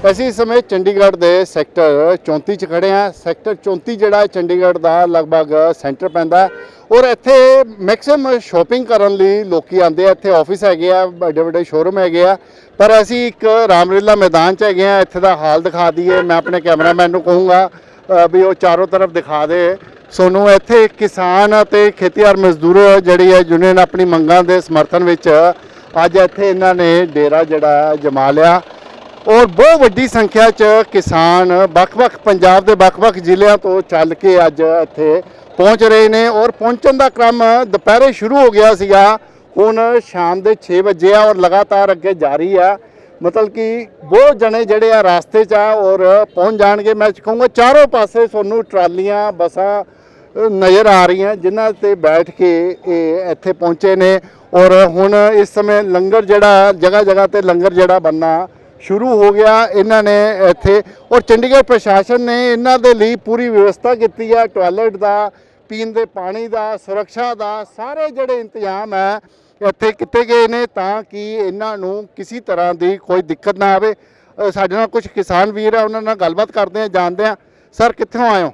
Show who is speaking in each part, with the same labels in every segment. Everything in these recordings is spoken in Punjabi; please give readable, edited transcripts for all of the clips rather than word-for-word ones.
Speaker 1: ਅਸੀਂ ਇਸ ਸਮੇਂ ਚੰਡੀਗੜ੍ਹ ਦੇ ਸੈਕਟਰ 34 ਚ ਖੜੇ ਹਾਂ। ਸੈਕਟਰ 34 ਜਿਹੜਾ ਚੰਡੀਗੜ੍ਹ ਦਾ ਲਗਭਗ ਸੈਂਟਰ ਪੈਂਦਾ ਔਰ ਇੱਥੇ ਮੈਕਸਿਮਮ ਸ਼ਾਪਿੰਗ ਕਰਨ ਲਈ ਲੋਕੀ ਆਉਂਦੇ ਆ। ਇੱਥੇ ਆਫਿਸ ਹੈਗੇ ਆ, ਵੱਡੇ ਵੱਡੇ ਸ਼ੋਰੂਮ ਹੈਗੇ ਆ, ਪਰ ਅਸੀਂ ਇੱਕ ਰਾਮਲੀਲਾ ਮੈਦਾਨ 'ਚ ਹੈਗੇ ਆ। ਇੱਥੇ ਦਾ ਹਾਲ ਦਿਖਾ ਦਈਏ। ਮੈਂ ਆਪਣੇ ਕੈਮਰਾਮੈਨ ਨੂੰ ਕਹੂੰਗਾ ਵੀ ਉਹ ਚਾਰੋਂ ਤਰਫ ਦਿਖਾ ਦੇ ਸਾਨੂੰ। ਇੱਥੇ ਕਿਸਾਨ ਅਤੇ ਖੇਤੀਬਾੜੀ ਮਜ਼ਦੂਰ ਜਿਹੜੀ ਹੈ ਯੂਨੀਅਨ ਆਪਣੀ ਮੰਗਾਂ ਦੇ ਸਮਰਥਨ ਵਿੱਚ ਅੱਜ ਇੱਥੇ ਇਹਨਾਂ ਨੇ ਡੇਰਾ ਜਿਹੜਾ ਜਮਾ ਲਿਆ ਔਰ ਬਹੁਤ ਵੱਡੀ ਸੰਖਿਆ 'ਚ ਕਿਸਾਨ ਵੱਖ-ਵੱਖ ਪੰਜਾਬ ਦੇ ਵੱਖ-ਵੱਖ ਜ਼ਿਲ੍ਹਿਆਂ ਤੋਂ ਚੱਲ ਕੇ ਅੱਜ ਇੱਥੇ ਪਹੁੰਚ ਰਹੇ ਨੇ ਔਰ ਪਹੁੰਚਣ ਦਾ ਕ੍ਰਮ ਦੁਪਹਿਰੇ ਸ਼ੁਰੂ ਹੋ ਗਿਆ ਸੀਗਾ। ਹੁਣ ਸ਼ਾਮ ਦੇ 6 ਵਜੇ ਆ ਔਰ ਲਗਾਤਾਰ ਅੱਗੇ ਜਾਰੀ ਆ। ਮਤਲਬ ਕਿ ਬਹੁਤ ਜਣੇ ਜਿਹੜੇ ਆ ਰਾਸਤੇ 'ਚ ਆ ਔਰ ਪਹੁੰਚ ਜਾਣਗੇ। ਮੈਂ ਕਹੂੰਗਾ ਚਾਰੋਂ ਪਾਸੇ ਤੁਹਾਨੂੰ ਟਰਾਲੀਆਂ ਬੱਸਾਂ ਨਜ਼ਰ ਆ ਰਹੀਆਂ ਜਿਨ੍ਹਾਂ ਤੇ ਬੈਠ ਕੇ ਇਹ ਇੱਥੇ ਪਹੁੰਚੇ ਨੇ ਔਰ ਹੁਣ ਇਸ ਸਮੇਂ ਲੰਗਰ ਜਿਹੜਾ ਜਗ੍ਹਾ ਜਗ੍ਹਾ ਤੇ ਲੰਗਰ ਜਿਹੜਾ ਬਣਨਾ ਸ਼ੁਰੂ ਹੋ ਗਿਆ ਇਹਨਾਂ ਨੇ ਇੱਥੇ। ਔਰ ਚੰਡੀਗੜ੍ਹ ਪ੍ਰਸ਼ਾਸਨ ਨੇ ਇਹਨਾਂ ਦੇ ਲਈ ਪੂਰੀ ਵਿਵਸਥਾ ਕੀਤੀ ਹੈ, ਟਾਇਲਟ ਦਾ, ਪੀਣ ਦੇ ਪਾਣੀ ਦਾ, ਸੁਰੱਖਿਆ ਦਾ, ਸਾਰੇ ਜਿਹੜੇ ਇੰਤਜ਼ਾਮ ਹੈ ਇੱਥੇ ਕੀਤੇ ਗਏ ਨੇ ਤਾਂ ਕਿ ਇਹਨਾਂ ਨੂੰ ਕਿਸੇ ਤਰ੍ਹਾਂ ਦੀ ਕੋਈ ਦਿੱਕਤ ਨਾ ਆਵੇ। ਸਾਡੇ ਨਾਲ ਕੁਝ ਕਿਸਾਨ ਵੀਰ ਆ, ਉਹਨਾਂ ਨਾਲ ਗੱਲਬਾਤ ਕਰਦੇ ਆ, ਜਾਣਦੇ ਆ। ਸਰ ਕਿੱਥੋਂ ਆਏ ਹੋ?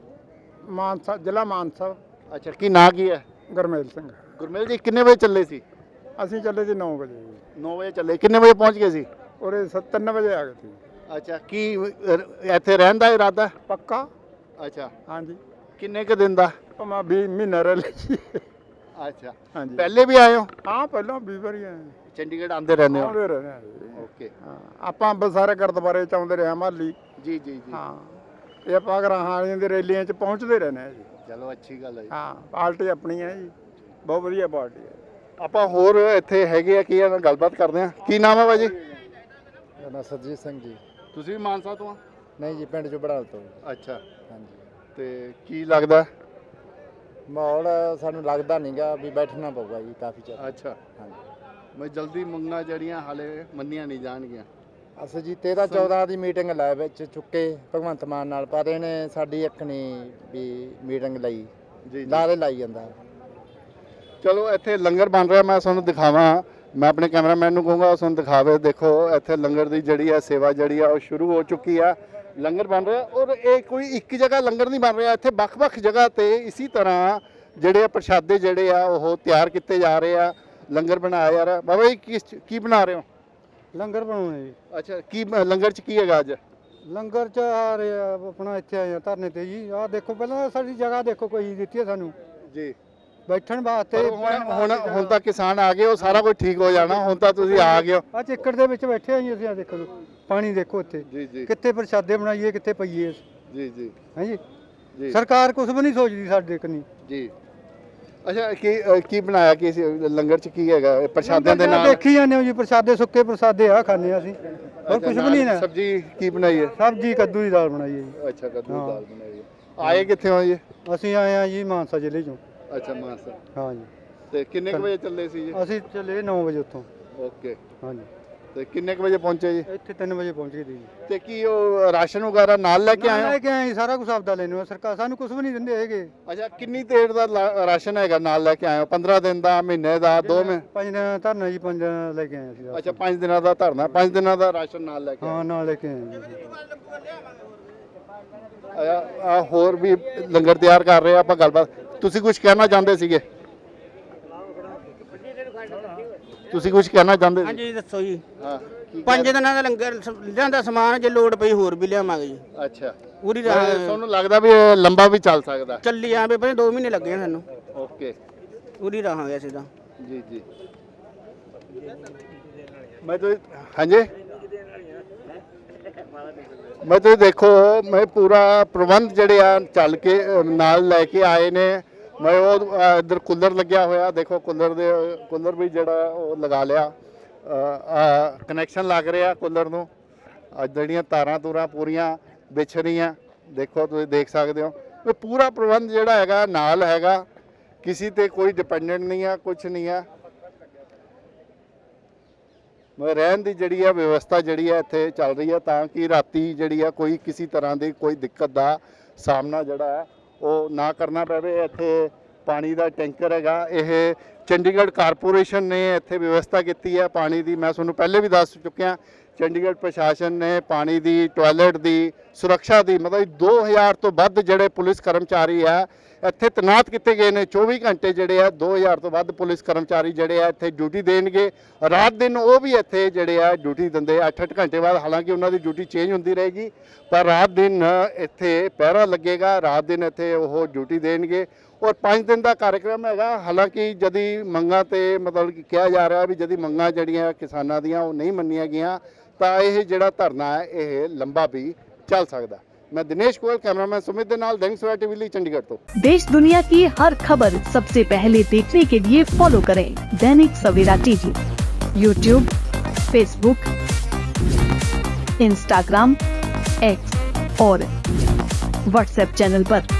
Speaker 2: ਮਾਨਸਾ, ਜ਼ਿਲ੍ਹਾ ਮਾਨਸਾ।
Speaker 1: ਅੱਛਾ, ਕੀ ਨਾਂ ਕੀ ਹੈ?
Speaker 2: ਗੁਰਮੇਲ ਸਿੰਘ।
Speaker 1: ਗੁਰਮੇਲ ਜੀ, ਕਿੰਨੇ ਵਜੇ ਚੱਲੇ ਸੀ?
Speaker 2: ਅਸੀਂ ਚੱਲੇ ਸੀ 9 ਵਜੇ।
Speaker 1: 9 ਵਜੇ ਚੱਲੇ, ਕਿੰਨੇ ਵਜੇ ਪਹੁੰਚ ਗਏ ਸੀ?
Speaker 2: ਉਰੇ 3 ਵਜੇ ਆ ਗਏ ਸੀ।
Speaker 1: ਅੱਛਾ, ਕੀ ਇੱਥੇ ਰਹਿਣ ਦਾ ਇਰਾਦਾ?
Speaker 2: ਪੱਕਾ।
Speaker 1: ਅੱਛਾ,
Speaker 2: ਹਾਂਜੀ।
Speaker 1: ਕਿੰਨੇ ਕੁ ਦਿਨ ਦਾ?
Speaker 2: ਮੈਂ 20 ਮਹੀਨੇ ਰਹਿ ਲਈ।
Speaker 1: ਅੱਛਾ,
Speaker 2: ਹਾਂਜੀ।
Speaker 1: ਪਹਿਲੇ ਵੀ ਆਏ ਹੋ?
Speaker 2: ਹਾਂ, ਪਹਿਲਾਂ 20 ਵਾਰੀ ਆਏ।
Speaker 1: ਚੰਡੀਗੜ੍ਹ ਆਉਂਦੇ ਰਹਿੰਦੇ ਹੋ?
Speaker 2: ਆਉਂਦੇ ਰਹੇ ਹਾਂ।
Speaker 1: ਓਕੇ।
Speaker 2: ਹਾਂ, ਆਪਾਂ ਅੰਬਰਸਰ ਗੁਰਦੁਆਰੇ ਚ ਆਉਂਦੇ ਰਹੇ ਮਾਲੀ।
Speaker 1: ਜੀ ਜੀ ਜੀ।
Speaker 2: ਹਾਂ, ਇਹ ਆਪਾਂ ਗਰਾਹਾਂ ਵਾਲੀਆਂ ਦੀ ਰੈਲੀਆਂ ਚ ਪਹੁੰਚਦੇ ਰਹਿੰਦੇ ਹਾਂ ਜੀ।
Speaker 1: ਚਲੋ ਅੱਛੀ ਗੱਲ ਹੈ ਜੀ।
Speaker 2: ਹਾਂ, ਪਾਰਟੀ ਆਪਣੀ ਹੈ ਜੀ, ਬਹੁਤ ਵਧੀਆ ਪਾਰਟੀ ਹੈ।
Speaker 1: ਆਪਾਂ ਹੋਰ ਇੱਥੇ ਹੈਗੇ ਆ ਕੀ ਨਾਲ ਗੱਲਬਾਤ ਕਰਦੇ ਆ। ਕੀ ਨਾਮ ਹੈ ਭਾਜੀ?
Speaker 3: ਮੇਰਾ ਨਾਮ ਸਰਜੀਤ ਸਿੰਘ ਜੀ।
Speaker 1: ਤੁਸੀਂ ਵੀ ਮਾਨਸਾ ਤੋਂ ਆ?
Speaker 3: ਨਹੀਂ ਜੀ, ਪਿੰਡ ਚੋਂ ਬੜਾਲ ਤੋਂ।
Speaker 1: ਅੱਛਾ,
Speaker 3: ਹਾਂਜੀ।
Speaker 1: ਤੇ ਕੀ ਲੱਗਦਾ
Speaker 3: ਮਾਹੌਲ ਸਾਨੂੰ ਲੱਗਦਾ ਨਹੀਂਗਾ ਵੀ ਬੈਠਣਾ ਪਊਗਾ ਜੀ ਕਾਫੀ ਚਿਰ।
Speaker 1: ਅੱਛਾ,
Speaker 3: ਹਾਂਜੀ।
Speaker 1: ਮੈਂ ਜਲਦੀ ਮੰਗਾਂ ਜਿਹੜੀਆਂ ਹਾਲੇ ਮੰਨੀਆਂ ਨਹੀਂ ਜਾਣਗੀਆਂ।
Speaker 3: ਅਸੀਂ ਜੀ 13-14 ਦੀ ਮੀਟਿੰਗ ਲੈ ਵਿੱਚ ਚੁੱਕੇ ਭਗਵੰਤ ਮਾਨ ਨਾਲ, ਪਰ ਇਹਨੇ ਸਾਡੀ ਇੱਕ ਨਹੀਂ ਵੀ ਮੀਟਿੰਗ ਲਈ,
Speaker 1: ਜੀ
Speaker 3: ਲਾਰੇ ਲਾਈ ਜਾਂਦਾ।
Speaker 1: ਚਲੋ ਇੱਥੇ ਲੰਗਰ ਬਣ ਰਿਹਾ, ਮੈਂ ਤੁਹਾਨੂੰ ਦਿਖਾਵਾਂ। ਮੈਂ ਆਪਣੇ ਕੈਮਰਾਮੈਨ ਨੂੰ ਕਹੂੰਗਾ ਤੁਹਾਨੂੰ ਦਿਖਾਵੇ। ਦੇਖੋ ਇੱਥੇ ਲੰਗਰ ਦੀ ਜਿਹੜੀ ਹੈ ਸੇਵਾ ਜਿਹੜੀ ਆ ਉਹ ਸ਼ੁਰੂ ਹੋ ਚੁੱਕੀ ਆ। ਲੰਗਰ ਬਣ ਰਿਹਾ ਔਰ ਇਹ ਕੋਈ ਇੱਕ ਜਗ੍ਹਾ ਲੰਗਰ ਨਹੀਂ ਬਣ ਰਿਹਾ, ਇੱਥੇ ਵੱਖ-ਵੱਖ ਜਗ੍ਹਾ ਤੇ ਇਸੇ ਤਰ੍ਹਾਂ ਜਿਹੜੇ ਆ ਪ੍ਰਸ਼ਾਦੇ ਜਿਹੜੇ ਆ ਉਹ ਤਿਆਰ ਕੀਤੇ ਜਾ ਰਹੇ ਆ। ਲੰਗਰ ਬਣਾਇਆ ਜਾ ਰਿਹਾ। ਬਾਬਾ ਜੀ ਕੀ ਬਣਾ ਰਹੇ ਹੋ?
Speaker 2: ਲੰਗਰ ਬਣਾਉਣੇ ਜੀ।
Speaker 1: ਅੱਛਾ, ਕੀ ਲੰਗਰ 'ਚ ਕੀ ਹੈਗਾ ਅੱਜ?
Speaker 2: ਲੰਗਰ ਚ ਆ ਰਿਹਾ ਆਪਣਾ ਇੱਥੇ ਆਏ ਆ ਧਰਨੇ ਤੇ ਜੀ। ਆਹ ਦੇਖੋ, ਪਹਿਲਾਂ ਸਾਡੀ ਜਗ੍ਹਾ ਦੇਖੋ ਕੋਈ ਦਿੱਤੀ ਹੈ ਸਾਨੂੰ
Speaker 1: ਜੀ
Speaker 2: ਬੈਠਣ ਵਾਸਤੇ।
Speaker 1: ਹੁਣ ਤਾਂ ਕਿਸਾਨ ਆ ਗਏ, ਉਹ ਸਾਰਾ ਕੁਝ ਠੀਕ ਹੋ ਜਾਣਾ। ਹੁਣ ਤਾਂ ਤੁਸੀਂ ਆ ਗਏ ਹੋ।
Speaker 2: ਆ ਚਿੱਕੜ ਦੇ ਵਿੱਚ ਬੈਠੇ ਆ ਜੀ ਅਸੀਂ। ਆ ਦੇਖੋ ਪਾਣੀ ਦੇਖੋ ਇੱਥੇ,
Speaker 1: ਜੀ ਜੀ
Speaker 2: ਕਿੱਥੇ ਪ੍ਰਸ਼ਾਦੇ ਬਣਾਈਏ, ਕਿੱਥੇ ਪਈਏ।
Speaker 1: ਜੀ ਜੀ
Speaker 2: ਹਾਂਜੀ,
Speaker 1: ਜੀ
Speaker 2: ਸਰਕਾਰ ਕੁਝ ਵੀ ਨਹੀਂ ਸੋਚਦੀ ਸਾਡੇ ਕਨੀ
Speaker 1: ਜੀ। ਅੱਛਾ, ਕੀ ਬਣਾਇਆ ਕੀ ਸੀ ਲੰਗਰ 'ਚ? ਕੀ ਹੈਗਾ ਪ੍ਰਸ਼ਾਦਿਆਂ ਦੇ ਨਾਲ?
Speaker 2: ਦੇਖੀ ਜਾਂਦੇ ਹੋ ਜੀ, ਪ੍ਰਸ਼ਾਦੇ, ਸੁੱਕੇ ਪ੍ਰਸ਼ਾਦੇ ਆ ਖਾਂਦੇ ਆ ਅਸੀਂ, ਹੋਰ ਕੁਝ ਵੀ ਨਹੀਂ ਨਾ।
Speaker 1: ਸਬਜ਼ੀ ਕੀ ਬਣਾਈ ਹੈ?
Speaker 2: ਸਬਜ਼ੀ ਕੱਦੂ ਦੀ ਦਾਲ ਬਣਾਈ ਹੈ ਜੀ।
Speaker 1: ਅੱਛਾ, ਕੱਦੂ ਦੀ ਦਾਲ ਬਣਾਈ ਹੈ। ਆਏ ਕਿੱਥੇ ਹੋ ਜੀ?
Speaker 2: ਅਸੀਂ ਆਏ ਆ ਜੀ ਮਾਨਸਾ ਜ਼ਿਲ੍ਹੇ ਚੋਂ।
Speaker 1: ਅੱਛਾ, ਮਾਨਸਾ।
Speaker 2: ਹਾਂ ਜੀ।
Speaker 1: ਤੇ ਕਿੰਨੇ ਕੁ ਵਜੇ ਚੱਲੇ ਸੀ ਜੀ?
Speaker 2: ਅਸੀਂ ਚੱਲੇ 9 ਵਜੇ ਉੱਥੋਂ।
Speaker 1: ਓਕੇ।
Speaker 2: ਹਾਂਜੀ।
Speaker 1: ਤੇ ਕਿੰਨੇ ਕੁ ਵਜੇ ਪਹੁੰਚੇ ਜੀ?
Speaker 2: ਇੱਥੇ 3 ਵਜੇ ਪਹੁੰਚ ਗਏ ਜੀ।
Speaker 1: ਤੇ ਕੀ ਉਹ ਰਾਸ਼ਨ ਵਗੈਰਾ ਨਾਲ ਲੈ ਕੇ ਆਏ ਹੋ?
Speaker 2: ਲੈ ਕੇ ਆਏ, ਸਾਰਾ ਕੁਝ ਆਪਦਾ ਲੈਣੇ। ਸਰਕਾਰ ਸਾਨੂੰ ਕੁਝ ਵੀ ਨਹੀਂ ਦਿੰਦੇ ਹੈਗੇ।
Speaker 1: ਅੱਛਾ, ਕਿੰਨੀ ਦੇਰ ਦਾ ਰਾਸ਼ਨ ਹੈਗਾ ਨਾਲ ਲੈ ਕੇ ਆਏ ਹੋ? 15 ਦਿਨ ਦਾ, ਮਹੀਨੇ ਦਾ, 2 ਮਹੀਨੇ?
Speaker 2: 5 ਦਿਨ ਧਰਨਾ ਜੀ, 5 ਦਿਨ ਲੈ ਕੇ ਆਏ ਅਸੀਂ।
Speaker 1: ਅੱਛਾ, 5 ਦਿਨਾਂ ਦਾ ਧਰਨਾ, 5 ਦਿਨਾਂ ਦਾ ਰਾਸ਼ਨ ਨਾਲ ਲੈ ਕੇ ਆਏ।
Speaker 2: ਹਾਂ, ਨਾਲ ਲੈ ਕੇ ਆਏ ਜੀ।
Speaker 1: ਆ ਹੋਰ ਵੀ ਲੰਗਰ ਤਿਆਰ ਕਰ ਰਹੇ ਆ, ਆਪਾਂ ਗੱਲਬਾਤ। ਤੁਸੀਂ ਕੁਝ ਕਹਿਣਾ ਚਾਹੁੰਦੇ ਸੀਗੇ? ਤੁਸੀਂ ਕੁਝ ਕਹਿਣਾ ਚਾਹੁੰਦੇ ਸੀ?
Speaker 4: ਹਾਂਜੀ ਦੱਸੋ ਜੀ।
Speaker 1: ਹਾਂ,
Speaker 4: 5 ਦਿਨਾਂ ਦਾ ਲੰਗਰ ਲਿਆਂਦਾ ਸਮਾਨ, ਜੇ ਲੋੜ ਪਈ ਹੋਰ ਵੀ ਲਿਆਵਾਂਗੇ ਜੀ।
Speaker 1: ਅੱਛਾ,
Speaker 4: ਪੂਰੀ
Speaker 1: ਤੁਹਾਨੂੰ ਲੱਗਦਾ ਵੀ ਇਹ ਲੰਬਾ ਵੀ ਚੱਲ ਸਕਦਾ?
Speaker 4: ਚੱਲੀ ਆਵੇ, ਪਰ 2 ਮਹੀਨੇ ਲੱਗੇ ਆ ਸਾਨੂੰ।
Speaker 1: ਓਕੇ।
Speaker 4: ਪੂਰੀ ਰਹਾਂਗੇ ਅਸੀਂ ਤਾਂ।
Speaker 1: ਜੀ ਜੀ। ਮੈਂ ਤਾਂ ਹਾਂਜੀ, ਮੈਂ ਤੁਸੀਂ ਦੇਖੋ, ਮੈਂ ਪੂਰਾ ਪ੍ਰਬੰਧ ਜਿਹੜੇ ਆ ਚੱਲ ਕੇ ਨਾਲ ਲੈ ਕੇ ਆਏ ਨੇ। ਮੈਂ ਉਹ ਇੱਧਰ ਕੂਲਰ ਲੱਗਿਆ ਹੋਇਆ, ਦੇਖੋ ਕੂਲਰ ਵੀ ਜਿਹੜਾ ਉਹ ਲਗਾ ਲਿਆ। ਕਨੈਕਸ਼ਨ ਲੱਗ ਰਿਹਾ ਕੂਲਰ ਨੂੰ। ਜਿਹੜੀਆਂ ਤਾਰਾਂ ਤੂਰਾਂ ਪੂਰੀਆਂ ਵਿਛ ਰਹੀਆਂ, ਦੇਖੋ ਤੁਸੀਂ ਦੇਖ ਸਕਦੇ ਹੋ। ਇਹ ਪੂਰਾ ਪ੍ਰਬੰਧ ਜਿਹੜਾ ਹੈਗਾ ਨਾਲ ਹੈਗਾ, ਕਿਸੇ ਤੇ ਕੋਈ ਡਿਪੈਂਡੈਂਟ ਨਹੀਂ ਆ, ਕੁਝ ਨਹੀਂ ਆ। ਰਹਿਣ ਦੀ ਜਿਹੜੀ ਆ ਵਿਵਸਥਾ ਜਿਹੜੀ ਆ ਇੱਥੇ ਚੱਲ ਰਹੀ ਹੈ ਤਾਂ ਕਿ ਰਾਤੀ ਜਿਹੜੀ ਆ ਕੋਈ ਕਿਸੇ ਤਰ੍ਹਾਂ ਦੀ ਕੋਈ ਦਿੱਕਤ ਦਾ ਸਾਹਮਣਾ ਜਿਹੜਾ ਹੈ ਉਹ ਨਾ ਕਰਨਾ ਪਵੇ। ਇੱਥੇ ਪਾਣੀ ਦਾ ਟੈਂਕਰ ਹੈਗਾ, ਇਹ ਚੰਡੀਗੜ੍ਹ ਕਾਰਪੋਰੇਸ਼ਨ ਨੇ ਇੱਥੇ ਵਿਵਸਥਾ ਕੀਤੀ ਹੈ ਪਾਣੀ ਦੀ। ਮੈਂ ਤੁਹਾਨੂੰ ਪਹਿਲੇ ਵੀ ਦੱਸ ਚੁੱਕਿਆ ਚੰਡੀਗੜ੍ਹ ਪ੍ਰਸ਼ਾਸਨ ਨੇ ਪਾਣੀ ਦੀ, ਟਾਇਲਟ ਦੀ, ਸੁਰੱਖਿਆ ਦੀ ਮਤਲਬ 2000 ਤੋਂ ਵੱਧ ਜਿਹੜੇ ਪੁਲਿਸ ਕਰਮਚਾਰੀ ਆ ਇੱਥੇ ਤੈਨਾਤ ਕੀਤੇ ਗਏ ਨੇ। 24 ਘੰਟੇ ਜਿਹੜੇ ਆ 2000 ਤੋਂ ਵੱਧ ਪੁਲਿਸ ਕਰਮਚਾਰੀ ਜਿਹੜੇ ਆ ਇੱਥੇ ਡਿਊਟੀ ਦੇਣਗੇ। ਰਾਤ ਦਿਨ ਉਹ ਵੀ ਇੱਥੇ ਜਿਹੜੇ ਆ ਡਿਊਟੀ ਦਿੰਦੇ 8-8 ਘੰਟੇ ਬਾਅਦ, ਹਾਲਾਂਕਿ ਉਹਨਾਂ ਦੀ ਡਿਊਟੀ ਚੇਂਜ ਹੁੰਦੀ ਰਹੇਗੀ, ਪਰ ਰਾਤ ਦਿਨ ਇੱਥੇ ਪਹਿਰਾ ਲੱਗੇਗਾ, ਰਾਤ ਦਿਨ ਇੱਥੇ ਉਹ ਡਿਊਟੀ ਦੇਣਗੇ। ਔਰ 5 ਦਿਨ ਦਾ ਕਾਰਜਕ੍ਰਮ ਹੈਗਾ। ਹਾਲਾਂਕਿ ਜਦੀ ਮੰਗਾਂ ਤੇ ਮਤਲਬ ਕਿ ਕਿਹਾ ਜਾ ਰਿਹਾ ਵੀ ਜਦੀ ਮੰਗਾਂ ਜਿਹੜੀਆਂ ਕਿਸਾਨਾਂ ਦੀਆਂ ਉਹ ਨਹੀਂ ਮੰਨੀਆਂ ਗਈਆਂ ਤਾਂ ਇਹ ਜਿਹੜਾ ਧਰਨਾ ਹੈ ਇਹ ਲੰਬਾ ਵੀ ਚੱਲ ਸਕਦਾ। मैं दिनेश गोयल, कैमरामैन सुमित दे नाल, दैनिक सवेरा टीवी ਲਈ चंडीगढ़ तो।
Speaker 5: देश दुनिया की हर खबर सबसे पहले देखने के लिए फॉलो करें Dainik Savera TV, YouTube, Facebook, Instagram, X और व्हाट्सएप चैनल पर।